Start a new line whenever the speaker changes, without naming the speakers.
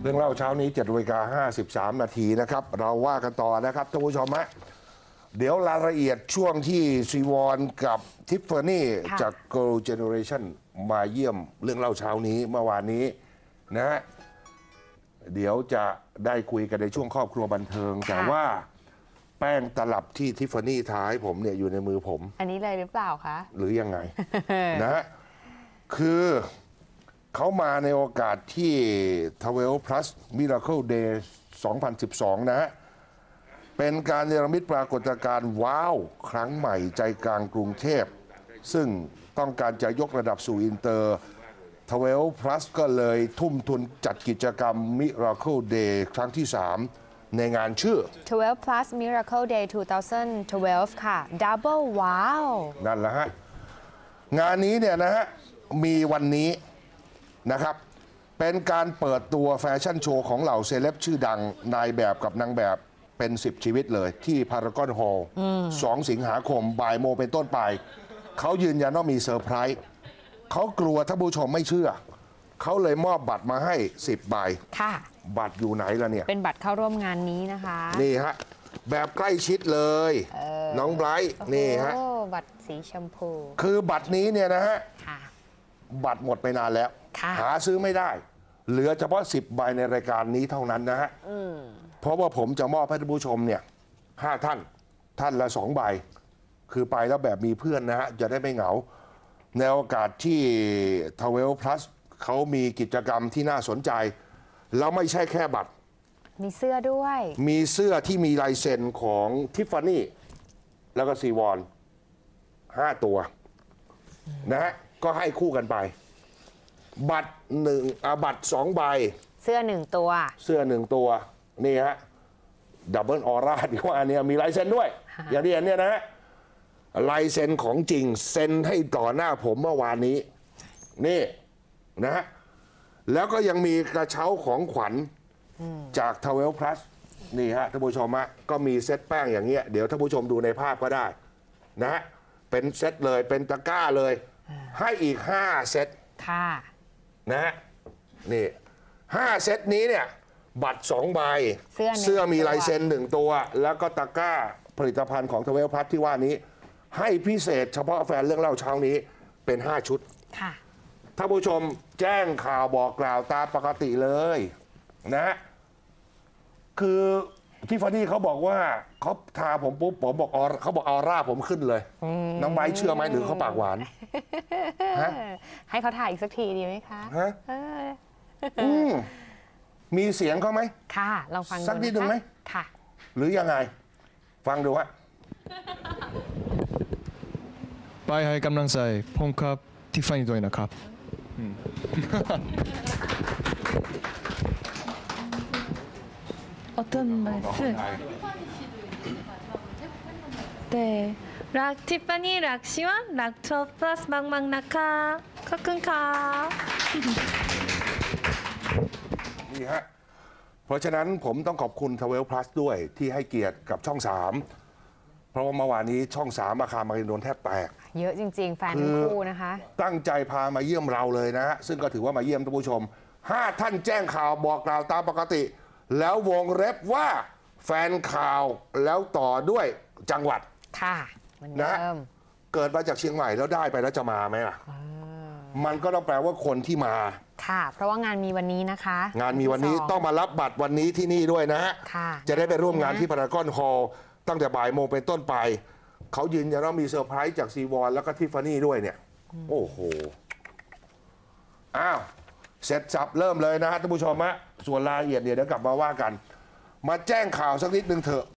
เรื่องเล่าเช้านี้7:53 นาทีนะครับเราว่ากันต่อนะครับท่านผู้ชมฮะเดี๋ยวรายละเอียดช่วงที่ซีวอนกับทิฟฟานี่จาก Girl Generation มาเยี่ยมเรื่องเล่าเช้านี้เมื่อวานนี้นะฮะเดี๋ยวจะได้คุยกันในช่วงครอบครัวบันเทิงแต่ว่าแป้งตลับที่ทิฟฟานี่ท้ายผมเนี่ยอยู่ในมือผม
อันนี้เลยหรือเปล่าคะ
หรือยังไง นะฮะคือเขามาในโอกาสที่12 plus Miracle Day 2012 นะฮะเป็นการเนรมิตปรากฏการณ์ว้าวครั้งใหม่ใจกลางกรุงเทพซึ่งต้องการจะยกระดับสู่อินเตอร์12 plus ก็เลยทุ่มทุนจัดกิจกรรม Miracle Day ครั้งที่ 3 ในงานชื่อ
12 plus Miracle Day 2012 ค่ะ Double Wow
นั่นแหละฮะงานนี้เนี่ยนะฮะมีวันนี้นะครับเป็นการเปิดตัวแฟชั่นโชว์ของเหล่าเซเลบชื่อดังนายแบบกับนางแบบเป็น10 ชีวิตเลยที่พารากอนฮอลล์2 สิงหาคมบ่ายโมงเป็นต้นไปเขายืนยันว่ามีเซอร์ไพรส์เขากลัวท่านผู้ชมไม่เชื่อเขาเลยมอบบัตรมาให้10 ใบ
ค่ะ
บัตรอยู่ไหนล่ะเนี่ย
เป็นบัตรเข้าร่วมงานนี้นะคะ
นี่ฮะแบบใกล้ชิดเลยน้องไบรท์นี่ฮะ
บัตรสีชมพู
คือบัตรนี้เนี่ยนะฮะบัตรหมดไปนานแล้วหาซื้อไม่ได้เหลือเฉพาะ10 ใบในรายการนี้เท่านั้นนะฮะเพราะว่าผมจะมอบให้ท่านผู้ชมเนี่ย5 ท่านละ2 ใบคือไปแล้วแบบมีเพื่อนนะฮะจะได้ไม่เหงาในโอกาสที่12 plus เขามีกิจกรรมที่น่าสนใจแล้วไม่ใช่แค่บัตร
มีเสื้อด้วย
มีเสื้อที่มีลายเซ็นของทิฟฟานี่แล้วก็ซีวอน5 ตัวนะฮะก็ให้คู่กันไปบัตรบัตร2 ใบ
เสื้อ1 ตัว
เสื้อ1 ตัวนี่ฮะดับเบิลออร่าที่ว่าเนี่ยมีลายเซ็นด้วยอย่างที่เห็นเนี่ยนะฮะลายเซ็นของจริงเซ็นให้ต่อหน้าผมเมื่อวานนี้นี่นะฮะแล้วก็ยังมีกระเช้าของขวัญจาก12 plus นี่ฮะท่านผู้ชมฮะก็มีเซตแป้งอย่างเงี้ยเดี๋ยวท่านผู้ชมดูในภาพก็ได้นะฮะเป็นเซตเลยเป็นตะกร้าเลยให้อีก5 เซต
ค่ะ
นะฮะนี่5 เซตนี้เนี่ยบัตร2 ใบเสื้อมีลายเซ็น1 ตัวแล้วก็ตะกร้าผลิตภัณฑ์ของ12 plus ที่ว่านี้ให้พิเศษเฉพาะแฟนเรื่องเล่าเช้านี้เป็น5 ชุด
ค่ะ
ท่านผู้ชมแจ้งข่าวบอกกล่าวตามปกติเลยนะคือที่ฟานี่เขาบอกว่าเขาทาผมปุ๊บผมบอกเขาบอกออร่าผมขึ้นเลยน้องไบร์ทเชื่อไหมหรือเขาปากหวาน
ให้เขาถ่ายอีกสักทีดีไหมคะ
มีเสียงเขาไหม
ค่ะลองฟัง
สักนิดหนึ่งไหม
ค่ะ
หรือยังไงฟังดูฮะ
ไปให้กำลังใจผมครับทิฟฟานี่ด้วยนะครับ
어떤말씀? 네, 락 티파니 락 시원 락 투어 플러스 막막 낙하 커큰카
นี่ฮะเพราะฉะนั้นผมต้องขอบคุณ12 plus ด้วยที่ให้เกียรติกับช่อง 3เพราะว่าเมื่อวานนี้ช่อง 3อาคารมารินโดนแทบแตก
เยอะจริงๆแฟนทั้งคู่นะคะ
ตั้งใจพามาเยี่ยมเราเลยนะฮะซึ่งก็ถือว่ามาเยี่ยมท่านผู้ชม5 ท่านแจ้งข่าวบอกกล่าวตามปกติแล้ววงเล็บว่าแฟนข่าวแล้วต่อด้วยจังหวัด
ค่ะ
นะเกิดมาจากเชียงใหม่แล้วได้ไปแล้วจะมาไหมล่ะมันก็ต้องแปลว่าคนที่มา
ค่ะเพราะว่างานมีวันนี้นะคะ
งานมีวันนี้ต้องมารับบัตรวันนี้ที่นี่ด้วยนะฮะจะได้ไปร่วมงานที่พารากอนฮอลล์ตั้งแต่บ่ายโมงเป็นต้นไปเขายืนยันว่ามีเซอร์ไพรส์จากซีวอนแล้วก็ทิฟฟานี่ด้วยเนี่ยโอ้โหอ้าวเสร็จสับเริ่มเลยนะฮะท่านผู้ชมฮะส่วนรายละเอียดเดี๋ยวกลับมาว่ากันมาแจ้งข่าวสักนิดนึงเถอะ